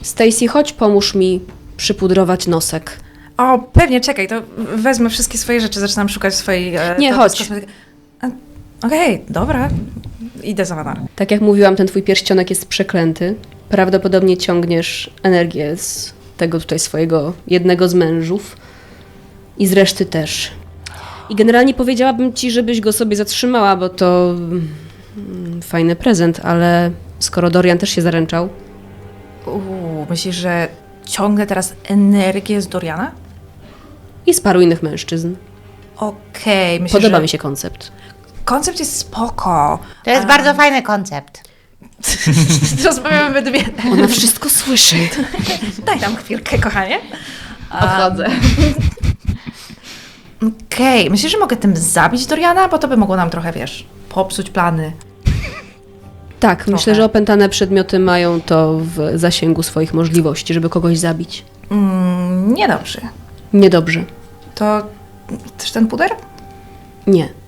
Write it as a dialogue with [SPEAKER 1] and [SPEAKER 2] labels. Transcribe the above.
[SPEAKER 1] Stacy, chodź pomóż mi przypudrować nosek.
[SPEAKER 2] O, pewnie, czekaj, to wezmę wszystkie swoje rzeczy, zaczynam szukać swojej...
[SPEAKER 1] Nie, chodź.
[SPEAKER 2] Okej, dobra, idę za Vanar.
[SPEAKER 1] Tak jak mówiłam, ten twój pierścionek jest przeklęty. Prawdopodobnie ciągniesz energię z tego tutaj swojego jednego z mężów i z reszty też. I generalnie powiedziałabym ci, żebyś go sobie zatrzymała, bo to fajny prezent, ale skoro Dorian też się zaręczał,
[SPEAKER 2] Myślisz, że ciągnę teraz energię z Doriana?
[SPEAKER 1] i z paru innych mężczyzn.
[SPEAKER 2] Okej, myślę,
[SPEAKER 1] Podoba
[SPEAKER 2] że...
[SPEAKER 1] mi się koncept.
[SPEAKER 2] Koncept jest spoko.
[SPEAKER 3] To jest bardzo fajny koncept.
[SPEAKER 2] Rozmawiamy we dwie.
[SPEAKER 1] Ona wszystko słyszy.
[SPEAKER 2] Daj tam chwilkę, kochanie.
[SPEAKER 1] Odchodzę.
[SPEAKER 2] Okej, myślisz, że mogę tym zabić Doriana? Bo to by mogło nam trochę, wiesz, popsuć plany.
[SPEAKER 1] Tak, myślę, że opętane przedmioty mają to w zasięgu swoich możliwości, żeby kogoś zabić.
[SPEAKER 2] Niedobrze.
[SPEAKER 1] Niedobrze.
[SPEAKER 2] To też ten puder?
[SPEAKER 1] Nie.